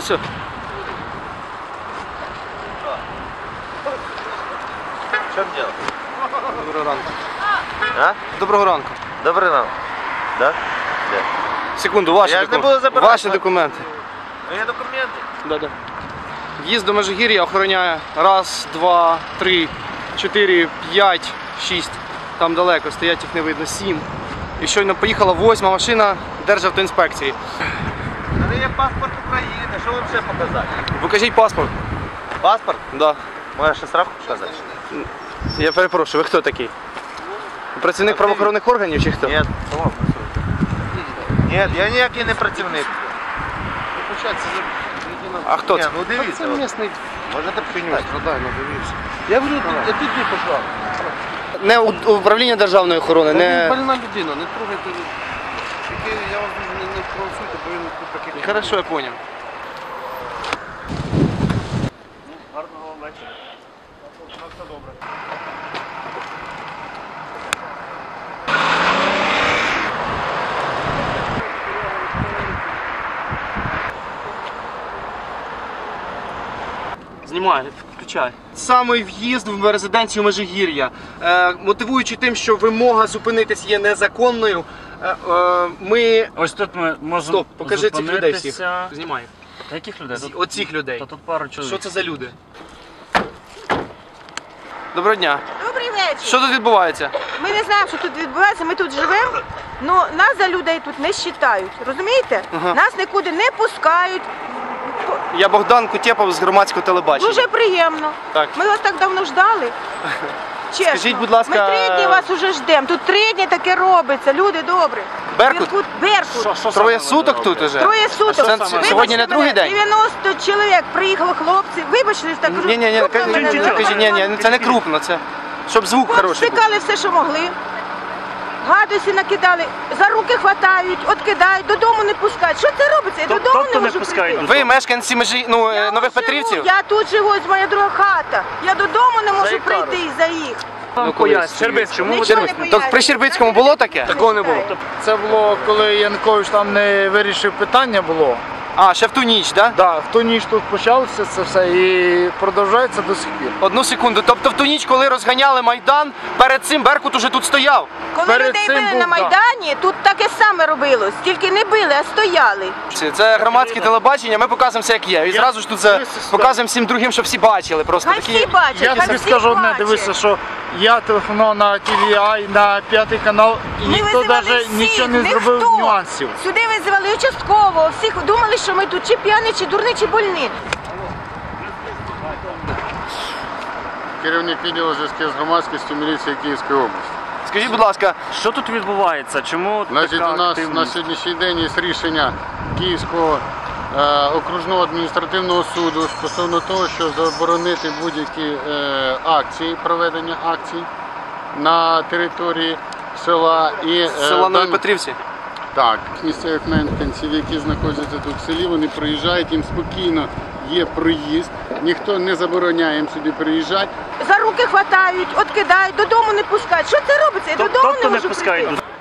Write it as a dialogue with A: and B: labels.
A: Все.
B: В чем дело?
A: Доброго ранку.
B: А?
A: Доброго ранку.
B: Добрий ранок. Да? Де?
A: Секунду, ваші
B: Я ж не буду забирати.
A: Ваші документи.
B: Є документи?
A: Да. В'їзд до Межигір'я охороняє 1, 2, 3, 4, 5, 6. Там далеко, стоять їх не видно, 7. І щойно поїхала 8-ма машина Державтоінспекції.
B: У мене є паспорт України, що вам ще показати?
A: Покажіть паспорт.
B: Паспорт?
A: Да.
B: Може ще справку показати?
A: Я перепрошую, ви хто такий? Працівник правоохоронних органів чи хто?
B: Ні. Ні, я ніякий не працівник.
A: А хто
B: Ні,
A: це?
B: ну дивіться.
C: Це місний
B: Можете почитати?
C: страдально, дивився. Я говорю, тут не пішла.
A: Не управління державної охорони,
C: Він
A: не...
C: больна людина, не трогайте. Тільки я вас не провокуйте, бо він тут такий.
A: Хорошо, я понял.
B: Гарного вечора. Все добре.
A: Знімай, включай. Саме в'їзд в резиденцію Межигір'я. Мотивуючи тим, що вимога зупинитись є незаконною, ми...
D: Ось тут ми можемо
A: Стоп, покажи цих людей всіх.
D: зупинитися.
A: Знімай.
D: Та яких людей? Тут,
A: Оцих людей.
D: та тут пару чоловік.
A: Що це за люди? Доброго дня.
E: Добрий вечір.
A: Що тут відбувається?
E: Ми не знаємо, що тут відбувається, ми тут живемо, але нас за людей тут не вважають. Розумієте?
A: Ага.
E: Нас нікуди не пускають.
A: Я Богдан Кутєпов з громадського телебачення.
E: Дуже приємно.
A: Так.
E: Ми вас так давно ждали. Чесно.
A: Скажіть, будь ласка,
E: ми 3 дні вас уже ждемо. Тут 3 дні таке робиться. Люди добрі.
A: Беркут?
E: Беркут.
D: Що
A: Троє
D: саме
A: суток
D: ви
A: тут
D: робите?
A: уже?
E: Троє суток.
A: Це
E: Вибачте
A: сьогодні не другий
E: мене,
A: день?
E: 90 чоловік приїхало хлопці. Вибачте, так
A: Ні,
E: крупно мене не
A: кажіть, ні, це не крупно, це щоб звук хороший був.
E: Стикали все, що могли. Гадості накидали, за руки хватають, откидають, додому не пускають. Що це робиться? Я додому
D: тобто
E: не
D: не
E: можу
D: пускають?
E: прийти.
A: Ви мешканці
E: Я
A: Нових
E: тут
A: Петрівців?
E: живу, я тут живу, ось моя друга хата. Я додому не можу прийти із-за їх.
D: Вам
A: колись.
D: пояснюють. Щербиць, чому ви
E: Нічого не
D: дивитесь?
E: пояснюють.
A: Так при Щербицькому було таке?
E: Такого не було.
F: Це було, коли Янукович там не вирішив питання було.
A: А, ще в ту ніч, так? Да?
F: Да, в ту ніч тут почалося це все і продовжується до сих пір.
A: Одну секунду. Тобто в ту ніч, коли розганяли Майдан, перед цим Беркут уже тут стояв?
E: Коли
F: Перед
E: людей
F: цим
E: били
F: був,
E: на
F: да.
E: Майдані, тут таке саме робилось. Тільки не били, а стояли.
A: Це громадське телебачення, ми показуємо все як є. І зразу ж тут показуємо всім другим, щоб всі бачили. Просто
E: Хай всі
A: такі...
E: бачать,
F: Я
E: хай
F: тобі
E: всі
F: скажу одне,
E: бачать.
F: дивися, що я телефонував на TVI, на 5-й канал, і
E: Ми
F: ніхто
E: визивали
F: навіть
E: всіх,
F: нічого не
E: ніхто.
F: зробив нюансів.
E: Сюди визивали участкового, всіх думали, що ми тут чи п'яні, чи дурні, чи больні.
C: Керівник відділу зв'язків з громадськістю міліції Київської області.
A: Скажіть, будь ласка,
D: Що тут відбувається? Чому
C: Значить,
D: така
C: у нас
D: активність?
C: на сьогоднішній день є рішення Київського окружного адміністративного суду стосовно того, що заборонити будь-які акції, проведення акцій на території села і
A: села Нові Петрівці?
C: Так, місцевих мешканців, які знаходяться тут в селі, вони приїжджають, їм спокійно є проїзд, ніхто не забороняє їм сюди приїжджати.
E: За руки хватають, откидають, додому не пускають. Що це робиться? Я додому
D: Тобто
E: не
D: не
E: можу
D: пускають?
E: прийти.